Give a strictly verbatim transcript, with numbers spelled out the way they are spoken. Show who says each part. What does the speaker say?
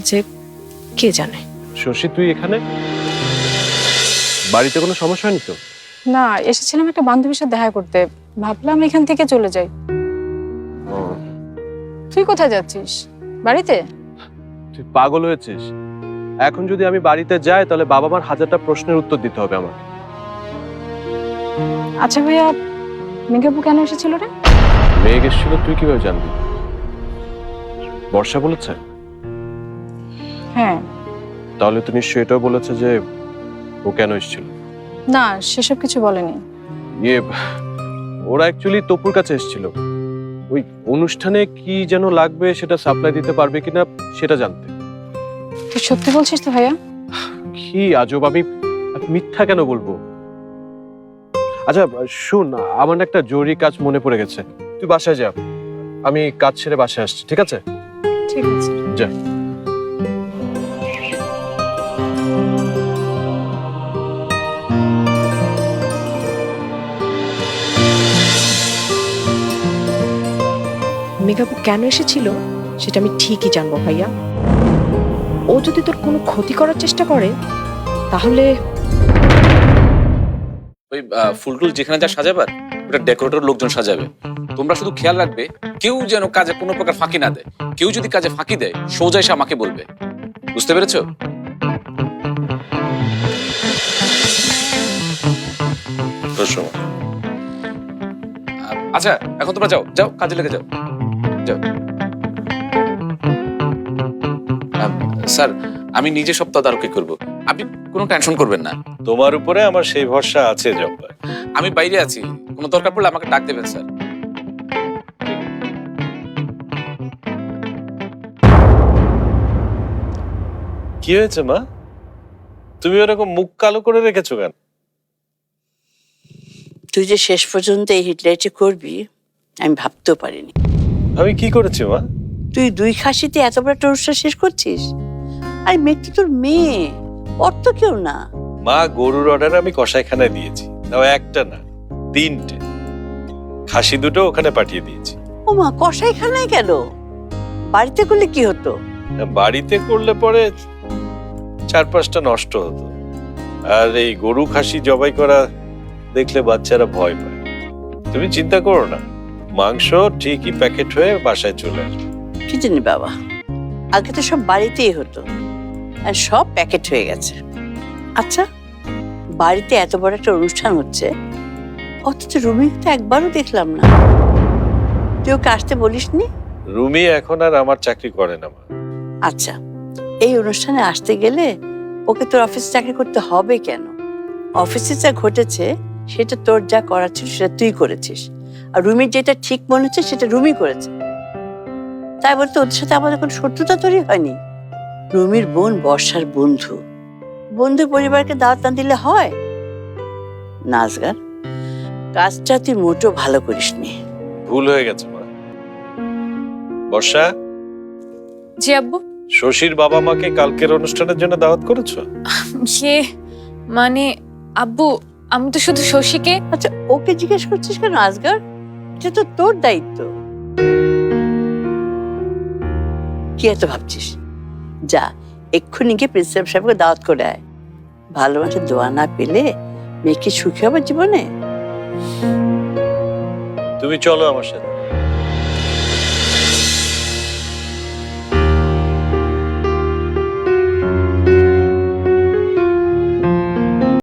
Speaker 1: যে কে জানে।
Speaker 2: শশী, তুই এখানে? বাড়িতে কোনো সমস্যা হয়নি তো?
Speaker 3: না, এসেছিলাম একটা বান্ধবীর সাথে দেখা করতে, ভাবলাম এখান থেকে চলে যাই। তুই কোথায় যাচ্ছিস? বাড়িতে?
Speaker 2: তুই পাগল হয়েছিস? এখন যদি আমি বাড়িতে যাই তাহলে বাবা মার হাজারটা প্রশ্নের উত্তর দিতে হবে আমার।
Speaker 3: আচ্ছা ভাইয়া, মেঘাপু কেন এসেছিল রে?
Speaker 2: মেঘ এসেছিল তুই কিভাবে জানবি? বর্ষা বলেছে?
Speaker 3: হ্যাঁ।
Speaker 2: তাহলে তো নিশ্চয়ই এটাও বলেছে যে ও কেন এসেছিল।
Speaker 3: না, সেসব কিছু বলেনি।
Speaker 2: ইয়ে, ওরা অ্যাকচুয়ালি তপুর কাছে এসেছিল ওই অনুষ্ঠানে কি যেন লাগবে সেটা সাপ্লাই দিতে পারবে কিনা সেটা জানতে।
Speaker 3: তুই সত্যি বলছিস তো ভাইয়া?
Speaker 2: কি আজব, আমি মিথ্যা কেন বলবো? আচ্ছা শুন, আমার না একটা জরুরি কাজ মনে পড়ে গেছে, তুই বাসায় যা, আমি কাজ ছেড়ে বাসায় আসছি, ঠিক আছে?
Speaker 3: ঠিক আছে,
Speaker 2: যা।
Speaker 1: মেঘাপু কেন এসেছিল সেটা আমি ঠিকই জানবো ভাইয়া। ও যদি তোর কোনো ক্ষতি করার চেষ্টা করে তাহলে
Speaker 4: ওই ফুলটুল যেখানে যা সাজাবার ওটা ডেকোরেটর লোকজন সাজাবে। তোমরা শুধু খেয়াল রাখবে কেউ যেন কাজে কোনো প্রকার ফাঁকি না দেয়। কেউ যদি কাজে ফাঁকি দেয় সোজা এসে আমাকে বলবে, বুঝতে পেরেছো? আচ্ছা এখন তোমরা যাও যাও কাজে লেগে যাও যাও। স্যার আমি নিজে সব তদারকি করবো, আপনি কোনো টেনশন করবেন না।
Speaker 5: তোমার উপরে আমার সেই ভরসা আছে জব্বার।
Speaker 4: আমি বাইরে আছি, কোনো দরকার পড়লে আমাকে ডাক দেবেন স্যার।
Speaker 5: কি হয়েছে মা? তুমি ওরকম মুখ কালো করে রেখেছো কেন?
Speaker 6: তুই যে শেষ পর্যন্ত এই হিটলাইটে করবি আমি ভাবতেও পারিনি।
Speaker 5: আমি কি করেছি মা?
Speaker 6: তুই দুই খাসিতে এত বড় একটা অনুষ্ঠান শেষ করছিস। আরে মেয়ে তো তোর মেয়ে, ওর তো কেউ না।
Speaker 5: মা, গরুর অর্ডার আমি কসাইখানায় দিয়েছি, তাও একটা না তিনটে। খাসি দুটো ওখানে পাঠিয়ে দিয়েছি।
Speaker 6: ও মা, কসাইখানায় গেল? বাড়িতে করলে কি হতো?
Speaker 5: বাড়িতে করলে পরে চার পাঁচটা নষ্ট হতো, আর এই গরু খাসি জবাই করা দেখলে বাচ্চারা ভয় পায়। তুমি চিন্তা করো না, মাংস ঠিকই প্যাকেট হয়ে বাসায় চলে আসবে।
Speaker 6: কি জানি বাবা, আগে তো সব বাড়িতেই হতো, আর সব প্যাকেট হয়ে গেছে। আচ্ছা, বাড়িতে এত বড় একটা অনুষ্ঠান হচ্ছে অথচ রুমিকে তো একবারও দেখলাম না। তুই ওকে আসতে বলিসনি?
Speaker 5: রুমি এখন আর আমার চাকরি করে না মা।
Speaker 6: আচ্ছা, এই অনুষ্ঠানে আসতে গেলে ওকে তোর অফিসে চাকরি করতে হবে কেন? অফিসে যা ঘটেছে সেটা তোর যা করার ছিল সেটা তুই করেছিস, আর রুমির যেটা ঠিক মনে হচ্ছে সেটা রুমি করেছে। তাই বলতে ওদের সাথে আমাদের কোনো শত্রুতা তৈরি হয়নি। রুমির বোন বর্ষার বন্ধু, বন্ধু পরিবারকে দাওয়াত না দিলে হয়? নাজগার, কাজটা তুই মোটো ভালো করিসনি।
Speaker 5: ভুল হয়ে গেছে মা। বর্ষা,
Speaker 7: জি আব্বু।
Speaker 5: শশীর বাবা মাকে কালকের অনুষ্ঠানের জন্য দাওয়াত করেছো?
Speaker 7: সে মানে আব্বু, আমি তো শুধু শশীকে।
Speaker 6: আচ্ছা, ওকে জিজ্ঞেস করছিস কেন আজগার? এটা তো তোর দায়িত্ব। কি এত ভাবছিস? যা, এক্ষুনি গিয়ে প্রিন্সিপাল সাহেবকে দাওয়াত করে আয়। ভালো মানুষের দোয়া না পেলে মেয়েকে সুখী হবে জীবনে।
Speaker 5: তুমি চলো আমার সাথে।